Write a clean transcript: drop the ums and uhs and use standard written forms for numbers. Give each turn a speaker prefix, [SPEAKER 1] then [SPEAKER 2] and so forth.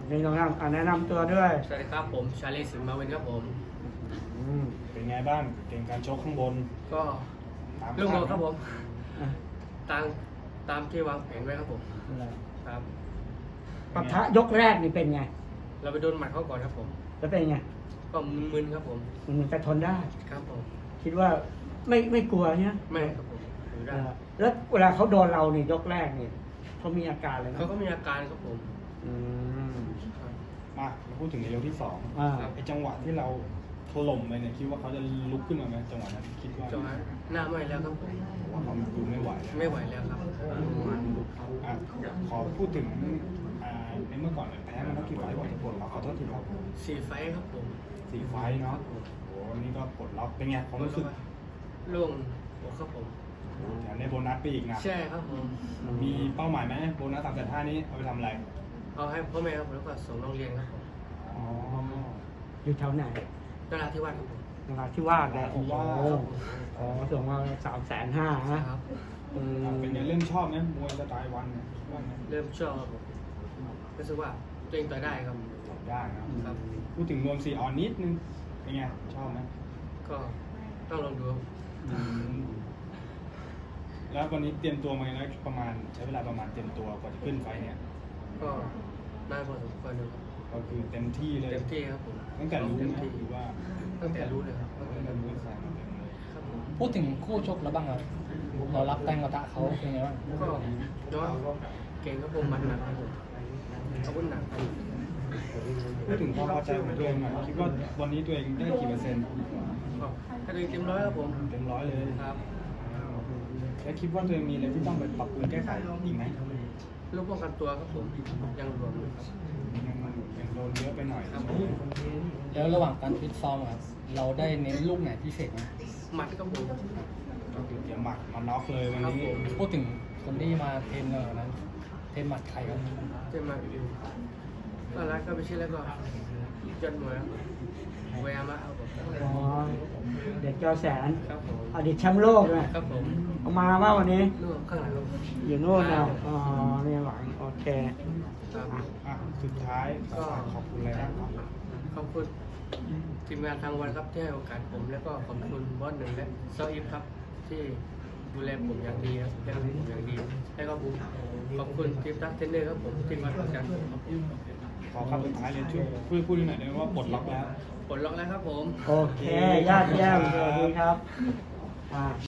[SPEAKER 1] นี่ต้องแนะนำตัวด้วย
[SPEAKER 2] สวัสดีครับผมชาลีสิงห์มาวินครับผม
[SPEAKER 3] เป็นไงบ้างเกมการชกข้างบน
[SPEAKER 2] ก็
[SPEAKER 3] ตาม
[SPEAKER 2] ลูกโม
[SPEAKER 3] คาด
[SPEAKER 2] ครับผม
[SPEAKER 1] อ่ะ
[SPEAKER 2] ตามที่วางแผนไว้ครับผมครับ
[SPEAKER 1] ปะทะยกแรกนี่เป็นไง
[SPEAKER 2] เราไปโดนหมัดเขาก่อนครับผม
[SPEAKER 1] แล้วเป็นไง
[SPEAKER 2] ก็มึนๆครับผม
[SPEAKER 1] มันจะทนได้
[SPEAKER 2] ครับผม
[SPEAKER 1] คิดว่าไม่กลัวเนี่ย
[SPEAKER 2] ไม่ครับผมอยู่ได้
[SPEAKER 1] แล้วเวลาเขาโดนเรานี่ยกแรกนี่เขามีอาการอะไรไหม
[SPEAKER 2] เขาก็มีอาการครับผม
[SPEAKER 1] อืม
[SPEAKER 2] ครับ
[SPEAKER 3] มาพูดถึงในยกที่สอง
[SPEAKER 1] อ่า
[SPEAKER 3] ไอ้จังหวะที่เราถล่มไปเนี่ยคิดว่าเขาจะลุกขึ้นมาไหมจังหวะนั้นคิดว่า
[SPEAKER 2] จอหน้าไม่แล้วครับผม
[SPEAKER 3] ผมว่าเขาดูไม่ไหวแล้ว
[SPEAKER 2] ไม่ไหวแล้วครับ
[SPEAKER 3] อ่ะขอพูดถึงในเมื่อก่อนเนี่ยแพ้มาแล้วกี่ไฟล์ก่อนจะปลดล็อกขอโทษทีครับ
[SPEAKER 2] 4 ไฟท์ครับผม
[SPEAKER 3] 4 ไฟล์เนาะโอ้โหนี่ก็ปลดล็อกเป็นไงความรู้สึก
[SPEAKER 2] โล่งอกครับผม
[SPEAKER 3] แถมได้โบนัสไปอีกนะ
[SPEAKER 2] ใช่ครับผม
[SPEAKER 3] มีเป้าหมายไหมโบนัส3.5นี้เอาไปทำอะไร
[SPEAKER 2] เอาให้พ่อแม่ครับผมแล้วก็ส่งโรงเรียนครับผม
[SPEAKER 3] อ๋อ
[SPEAKER 1] อยู่แถวไหน
[SPEAKER 2] นราธิวาสครับผม
[SPEAKER 1] นราธิวาสเลยโอ้โหอ๋อส่งมา350,000นะอืม
[SPEAKER 3] เป็นไงเริ่มชอบไหมมวยสไตล์วันเนี่ยว่าไง
[SPEAKER 2] เริ่มชอบครับผมรู้สึกว่าตัวเองต่อยได้ครับ
[SPEAKER 3] ได้นะครับ พูดถึงนวม4 ออนนิดนึงเป็นไงชอบไหม
[SPEAKER 2] ก็ต้องลองดูครับ
[SPEAKER 3] แล้ววันนี้เตรียมตัวมาแล้วประมาณใช้เวลาประมาณเตรียมตัวกว่าจะขึ้นไฟเนี่ย
[SPEAKER 2] ก็นานพอสมควรเลยครับ
[SPEAKER 3] ก็คือเต็มที่เลย
[SPEAKER 2] เต็มที่ครับผม
[SPEAKER 3] ตั้งแต่รู้
[SPEAKER 2] เต็ม
[SPEAKER 3] นะ
[SPEAKER 2] ที่
[SPEAKER 3] หรือว่า
[SPEAKER 2] ตั้งแต่รู้เลยครับ
[SPEAKER 3] ตั้งแต่รู้ใส่มาเต็มเลย
[SPEAKER 2] ครับผม
[SPEAKER 4] พูดถึงคู่ชกแล้วบ้างครับเรารับแรงกระทะเขาเป็นไงบ้าง
[SPEAKER 2] ก็ย้อนเก่งครับผมมันหนักครับผมอาวุธหนักครับ
[SPEAKER 3] พูดถึงความพอใจของตัวเองหน่อยคิดว่าวันนี้ตัวเองได้กี่เปอร์เซ็นต์
[SPEAKER 2] ก็ถ้าตัวเองเต็มร้อยครับผม
[SPEAKER 3] เต็ม100เลย
[SPEAKER 2] ครับ
[SPEAKER 3] แล้วคิดว่าตัวเองมีอะไรที่ต้องไปปรับปรุงแก้ไขอีกไหม
[SPEAKER 2] ลูกป้องกันตัวครับผมยังรวมอยู่ครับ
[SPEAKER 3] ยังโดนเยอะไปหน่อย
[SPEAKER 2] ครับผม
[SPEAKER 4] แล้วระหว่างการฟิตซ้อมครับเราได้เน้นลูกไหนพิเศษไหม
[SPEAKER 2] หมัดครับผม
[SPEAKER 3] ก็คือเตรียมหมัดมาน็อกเลยวันนี้
[SPEAKER 4] พูดถึงคนที่มาเทรนเนอร์นั้นเทรนหมัดใครครับ
[SPEAKER 2] เจะมาก็รักก็ไปชื่อแล้วก็ยอดมวยครับแวร์มาครับผม
[SPEAKER 1] อ๋อเด็กจอแสน
[SPEAKER 2] ครับผม
[SPEAKER 1] อดีตแชมป์โลกนะครับ
[SPEAKER 2] ผม
[SPEAKER 1] เอามาว่าวันนี้
[SPEAKER 2] นู่นข้างหลังครับ
[SPEAKER 1] อยู่โน่นแล้วอ๋อนี่หวังโอเค
[SPEAKER 2] ครับ
[SPEAKER 3] อ่ะสุดท้ายก็ขอบคุณอะไรบ้างครับ
[SPEAKER 2] ขอบคุณทีมงานทางวันครับที่ให้โอกาสผมแล้วก็ขอบคุณบอสหนึ่งและเซาอิฟครับที่ดูแลผมอย่างดีครับดูแลผมอย่างดีแล้วก็ผมขอบคุณทีมทักเทรนเนอร์ครับผมที่มาทำการผมครับผม
[SPEAKER 3] ขอคำสุดท้ายเลยช่วยพูดหน่อยได้ไหมว่าปลดล็อกแล้ว
[SPEAKER 2] ปลดล็อกแล้วครับผม
[SPEAKER 1] โอเคญาติเยี่ยมสวัสดีครับ